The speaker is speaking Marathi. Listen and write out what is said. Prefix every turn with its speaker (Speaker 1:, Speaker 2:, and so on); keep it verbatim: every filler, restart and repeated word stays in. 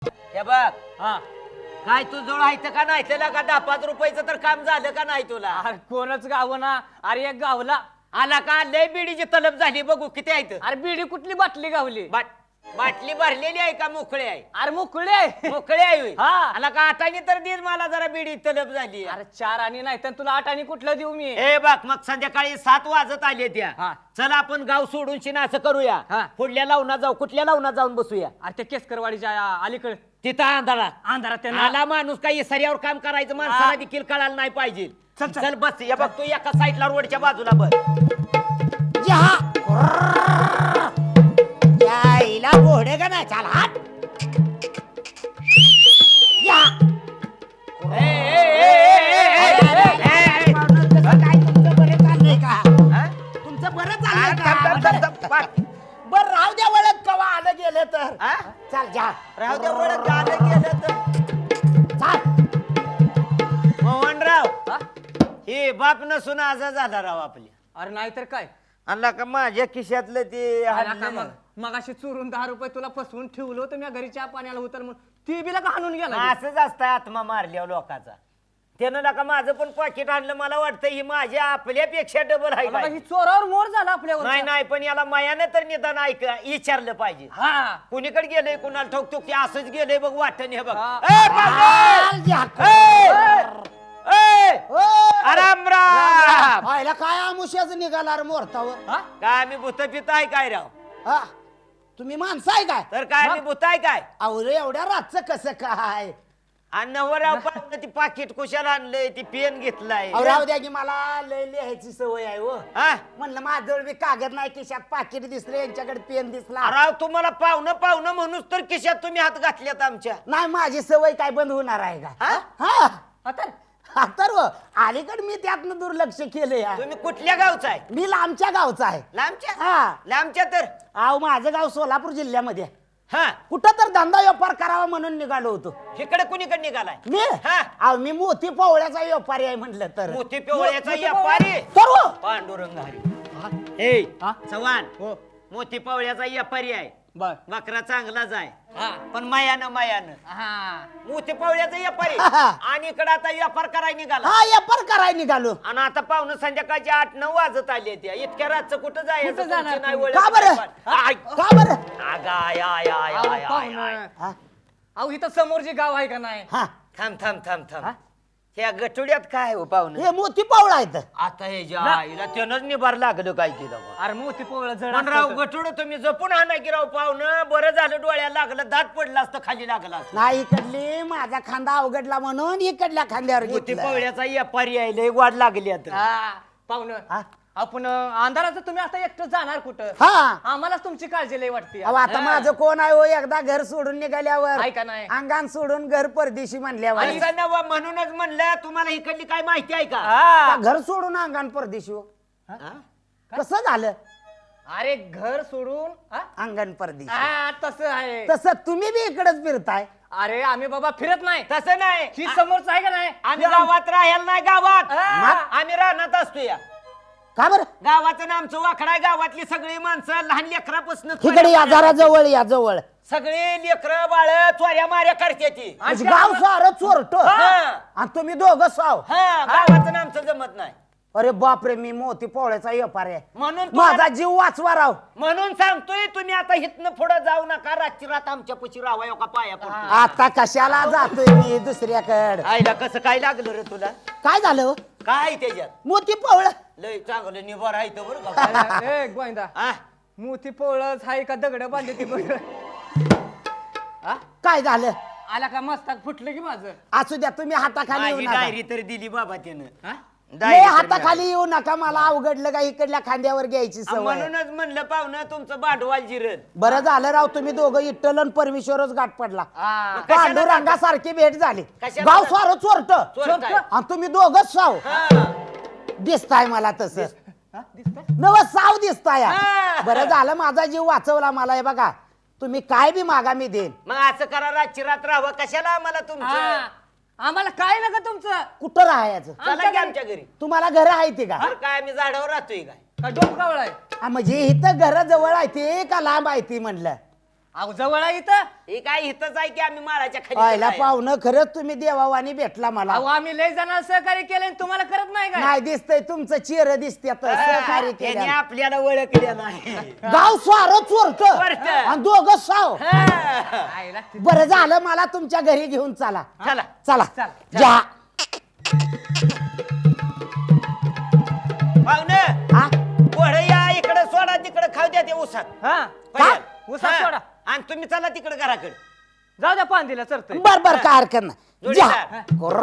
Speaker 1: हे बघ
Speaker 2: हा
Speaker 1: काय तू जोड आहे का नाही त्याला का दहा पाच रुपयाचं तर काम झालं का नाही तुला
Speaker 2: अरे कोणच गाव ना अरे एक गावला
Speaker 1: आला का लय बिडीची तलब झाली बघू किती आहे
Speaker 2: अरे बिडी कुठली बाटली गावली
Speaker 1: बाट बाटली भरलेली आहे का मोकळी आहे
Speaker 2: अरे मोकळे आहे
Speaker 1: मोकळी आहे होय.
Speaker 2: हा.
Speaker 1: आला का आठाने तर दे मला जरा बिडी तलब झाली
Speaker 2: अरे चार आणि नाही तर तुला आठ आणि कुठलं देऊ मी
Speaker 1: ए बघ मग संध्याकाळी सात वाजत आले त्या
Speaker 2: हा.
Speaker 1: चला आपण गाव सोडून शिना असं करूया
Speaker 2: हा.
Speaker 1: पुढल्या लावणा जाऊ कुठल्या लावणा जाऊन बसूया
Speaker 2: अरे ते केसकरवाडीच्या अलीकडे
Speaker 1: तिथं अंधारा
Speaker 2: अंधारात त्यांना
Speaker 1: आला माणूस काही सऱ्यावर काम करायचं माणसाला देखील कळायला नाही पाहिजे
Speaker 2: चल, चल.
Speaker 1: चल बस या बघ तू एका साईडला रोडच्या बाजूला बस
Speaker 3: यायला घोडे का नाही चाल हात या
Speaker 1: ए, ए, ए, ए, ए, ए, ए, ए.
Speaker 3: काय तुमचं बरं चाललंय का
Speaker 1: हा?
Speaker 3: तुमचं बरं
Speaker 1: आ, थांब, थांब, थांब, थांब.
Speaker 3: चाललंय बर राहू द्या वळत कवा आलं गेलं तर
Speaker 1: हा?
Speaker 3: चाल जा
Speaker 1: राहू द्या ओळख गाणं गेलं तर
Speaker 3: चाल
Speaker 1: मोहनराव
Speaker 2: हा?
Speaker 1: हे बाप नसून आजा झाला राव आपली
Speaker 2: अरे नाही तर काय
Speaker 1: आणला का माझ्या खिशातलं ते
Speaker 2: आला का
Speaker 1: हाणलं
Speaker 2: मग
Speaker 1: ना.
Speaker 2: मग अशी चोरून दहा रुपये तुला फसवून ठेवलं होतं मी घरी चहा पाण्याला होतं म्हणून ती बिला का हाणून गेला
Speaker 1: असंच असतं आत्मा मारल्या लोकाचा त्यानं नका माझं पण पाकिट आणलं मला वाटतं ही माझ्या आपल्यापेक्षा डबल आहे
Speaker 2: मला
Speaker 1: काय.
Speaker 2: ही चोरावर मोर झाला आपल्यावर
Speaker 1: नाही नाही पण याला मायानं तर निदान ऐक विचारलं पाहिजे
Speaker 2: हा
Speaker 1: कुणीकडे गेलंय कुणाला ठोकतो की असंच गेलंय बघ वाटण हे बघ
Speaker 2: हा.
Speaker 1: ए, पाहुणे!
Speaker 3: चाल जा
Speaker 1: ए! ए!
Speaker 3: ओ,
Speaker 1: राम राम
Speaker 3: व्हायला काय आमुष्याच निघाला रे मोरतावर
Speaker 2: हा?
Speaker 1: काय मी भूत पित आहे काय राव
Speaker 3: हा तुम्ही माणसं आहे काय
Speaker 1: तर काय मी भूत आहे काय
Speaker 3: अहो रे एवढ्या रातचं कसं काय
Speaker 1: आणि नवराव पाहुणं ती पाकिट कुशाला आणलंय ती पेन घेतलाय
Speaker 3: अहो राहू द्या की मला लय लिहायची सवय आहे हो
Speaker 1: हा
Speaker 3: म्हणलं माझ्याजवळ बी कागद नाही खिशात पाकिट दिसले यांच्याकडे पेन दिसला
Speaker 1: राव तुम्हाला पाहुणं पाहुणं म्हणूच तर खिशात तुम्ही हात घातल्यात आमच्या
Speaker 3: नाही माझी सवय काय बंद होणार आहे का
Speaker 1: हा?
Speaker 3: हा
Speaker 2: आता
Speaker 3: हा, तर हो, अलीकडे मी त्यातनं दुर्लक्ष केलंय हा.
Speaker 1: तुम्ही कुठल्या गावचा आहे
Speaker 3: मी लांबच्या गावचा आहे
Speaker 1: लांबच्या
Speaker 3: हा
Speaker 1: लांबच्या तर
Speaker 3: अहो माझं गाव सोलापूर जिल्ह्यामध्ये आहे.
Speaker 1: हा
Speaker 3: कुठं तर धंदा व्यापार करावा म्हणून निघालो होतो
Speaker 1: इकडे कुणीकडे निघालाय
Speaker 3: मी
Speaker 1: हा.
Speaker 3: अहो मी मोती पोवळ्याचा व्यापारी आहे म्हटलं तर
Speaker 1: मोती पिवळ्याचा
Speaker 2: मोती
Speaker 1: व्यापारी
Speaker 3: तर हो.
Speaker 1: पांडुरंग हरी हे
Speaker 2: हा?
Speaker 1: चव्हाण
Speaker 2: हो
Speaker 1: मोती पावळ्याचा व्यापारी आहे
Speaker 2: बर
Speaker 1: बकरा चांगलाच आहे
Speaker 2: हा
Speaker 1: पण मायानं मायानं
Speaker 2: हा
Speaker 1: मोती पावळ्याचा व्यापारी
Speaker 3: हा.
Speaker 1: आणि इकडे आता व्यापार करायला निघाला
Speaker 3: हा व्यापार करायला निघालो
Speaker 1: आणि आता पाहुणं संध्याकाळचे आठ नऊ वाजत आले त्या इतक्या रातचं कुठं जायचं
Speaker 2: कुठं जाणार
Speaker 1: तुमची नाही
Speaker 2: तुम्ही?
Speaker 1: ओळख
Speaker 3: का बरं?
Speaker 1: नाही पण. आय.
Speaker 3: का बरं
Speaker 1: अगं, आय, आय, आय,
Speaker 2: अहो,
Speaker 1: आय, आय,
Speaker 2: पाहुणं.
Speaker 1: आय.
Speaker 3: हा
Speaker 2: अहो इथं समोर जे गाव आहे का नाही
Speaker 3: हा
Speaker 1: थांब थांब थांब थांब
Speaker 2: हा?
Speaker 1: ह्या गटुड्यात काय हो पाहुणं
Speaker 3: हे मोती पावळा आहे तर
Speaker 1: आता हे ज्या आईला त्यानंच निभार लागलं काय केलं बा.
Speaker 2: अरे मोती पोवळ जड
Speaker 1: पण राव
Speaker 2: असतं तर.
Speaker 1: गटुड तुम्ही जपून हा की राव पाहुणं बरं झालं डोळ्याला लागलं दात पडलं असतं खाली लागलं असतं
Speaker 3: नाही इकडली माझा खांदा अवघडला म्हणून इकडल्या खांद्यावर
Speaker 1: मोती
Speaker 3: घेतलं.
Speaker 1: पवळ्याचा व्यापारी आहे लय वाढ लागली आता
Speaker 2: हा पाहुणं
Speaker 3: हा?
Speaker 2: आपण अंधाराचं तुम्ही आता एकटं जाणार कुठं
Speaker 3: हा
Speaker 2: आम्हालाच तुमची काळजी लय वाटते
Speaker 3: अहो आता माझं कोण आहे हो एकदा घर सोडून निघाल्यावर
Speaker 2: आहे का नाही?
Speaker 3: अंगान सोडून घर परदेशी म्हणल्यावर
Speaker 1: असं नवं म्हणूनच म्हणलं तुम्हाला इकडली काय माहिती आहे का
Speaker 2: हा.
Speaker 3: का घर सोडून अंगान परदेशी हो
Speaker 1: हा?
Speaker 3: कसं झालं
Speaker 2: अरे घर सोडून हा?
Speaker 3: अंगण परदेशी
Speaker 2: हा, तसं आहे
Speaker 3: तसं तुम्ही बी इकडेच फिरताय
Speaker 2: अरे आम्ही बाबा फिरत नाही
Speaker 1: तसं नाही
Speaker 2: ही समोरच आहे का नाही
Speaker 1: आम्ही गावात राहायला नाही गावात
Speaker 2: हा.
Speaker 1: आम्ही राहण्यात असतो या
Speaker 3: का बरं
Speaker 1: गावाचं ना आमचं वाकडा आहे गावातली सगळी माणसं लहान लेकरापासून
Speaker 3: इकडे या जरा जवळ या जवळ
Speaker 1: सगळे लेकर बाळ चोऱ्या माऱ्या करते ती
Speaker 3: म्हणजे गाव सारं चोरट
Speaker 1: हा.
Speaker 3: आणि तुम्ही दोघं साव
Speaker 1: हा गावाचं ना आमचं जमत नाही
Speaker 3: अरे बापरे मी मोती पोळ्याचा व्यापार आहे
Speaker 1: म्हणून तुम्हाला-
Speaker 3: माझा जीव वाचवा राव
Speaker 1: म्हणून सांगतोय तुम्ही आता हितनं पुढे जाऊ नका रातची रात आमच्या पशी राहावा का पाया पडतो.
Speaker 3: आता कशाला जातोय मी दुसऱ्याकडे
Speaker 1: आईला कसं काय लागलं रे तुला
Speaker 3: काय झालं हो?
Speaker 1: काय त्याच्यात
Speaker 3: मोती पोवळ
Speaker 1: लय चांगलं निभार आहे तो बरं का
Speaker 2: ए गोविंदा
Speaker 1: हा?
Speaker 2: मोती पोळच हाय का दगड बांधली ती बघ हा?
Speaker 3: काय झालं
Speaker 2: आला का मस्तक फुटलं की माझं
Speaker 3: असू द्या तुम्ही हाताखाली येऊ
Speaker 1: माझी
Speaker 3: नका
Speaker 1: डायरी तरी दिली बाबा त्यानं
Speaker 2: हा?
Speaker 1: डायरी
Speaker 3: लय
Speaker 1: तरी
Speaker 3: हाताखाली येऊ नका मला अवघडलं का इकडल्या खांद्यावर घ्यायची
Speaker 1: मिळाली.
Speaker 3: सवय
Speaker 1: म्हणूनच म्हणलं पाहुणं तुमचं भांडवाल जिरल
Speaker 3: बरं झालं राव तुम्ही दोघं इट्टल आणि परमेश्वरच गाठ पडला
Speaker 2: हा.
Speaker 1: कशाला
Speaker 3: पांडुरंगासारखी भेट झाली
Speaker 1: कशाला
Speaker 3: गाव
Speaker 1: जाता?
Speaker 3: सारं चोरट
Speaker 1: चोरट आहे.
Speaker 3: आणि तुम्ही दोघच साव
Speaker 1: हा.
Speaker 3: दिसताय मला तसं
Speaker 2: हा? दिसतंय?
Speaker 3: नव साव दिसताय
Speaker 1: हा.
Speaker 3: बरं झालं माझा जीव वाचवला मला हे बघा तुम्ही काय बी मागा मी देईन
Speaker 1: मग असं करा रातची रात राहावं कशाला आम्हाला तुमचं
Speaker 2: हा. आम्हाला काय नका तुमचं
Speaker 3: कुठं राहायचं
Speaker 1: चला की आमच्या घरी
Speaker 3: तुम्हाला घर आहे ते का
Speaker 1: तर काय आम्ही झाडावर राहतोय काय
Speaker 2: का डोंगरावळ आहे
Speaker 3: हा, म्हणजे इथं घर जवळ आहे ते का लांब आहे ती म्हणलं
Speaker 2: अहो जवळ आहे इथं.
Speaker 1: हे काय इथंच आहे की आम्ही माळाच्या
Speaker 3: पहिला
Speaker 1: खाली
Speaker 3: पाहुणं खरंच तुम्ही देवावानी भेटला मला
Speaker 2: अहो आम्ही लय जणांना सहकार्य केलं आणि तुम्हाला करत नाही काय?
Speaker 3: नाही दिसतंय तुमचं चेहरा दिसते सहकार्य
Speaker 1: त्याने
Speaker 3: केलं
Speaker 1: आपल्याला ओळखले नाही
Speaker 3: गाव स्वार चोरट
Speaker 1: चोरटं.
Speaker 3: आणि दोघं साव
Speaker 1: हा.
Speaker 2: आईला ती-
Speaker 3: बरं झालं मला तुमच्या घरी घेऊन चला
Speaker 1: चला
Speaker 3: चला
Speaker 2: चला.
Speaker 3: जा
Speaker 1: पाहुणं
Speaker 3: हा
Speaker 1: पोरं या इकडे सोडा तिकडे खाऊ द्या ते उसात
Speaker 2: हा
Speaker 3: काय?
Speaker 2: उसात सोडा.
Speaker 1: आणि तुम्ही चला तिकडे घराकडे
Speaker 2: जाऊ द्या पांदीला चरतोय.
Speaker 3: बर बर काय हरकत नाही जा
Speaker 1: जोडीदार.
Speaker 3: कोर्र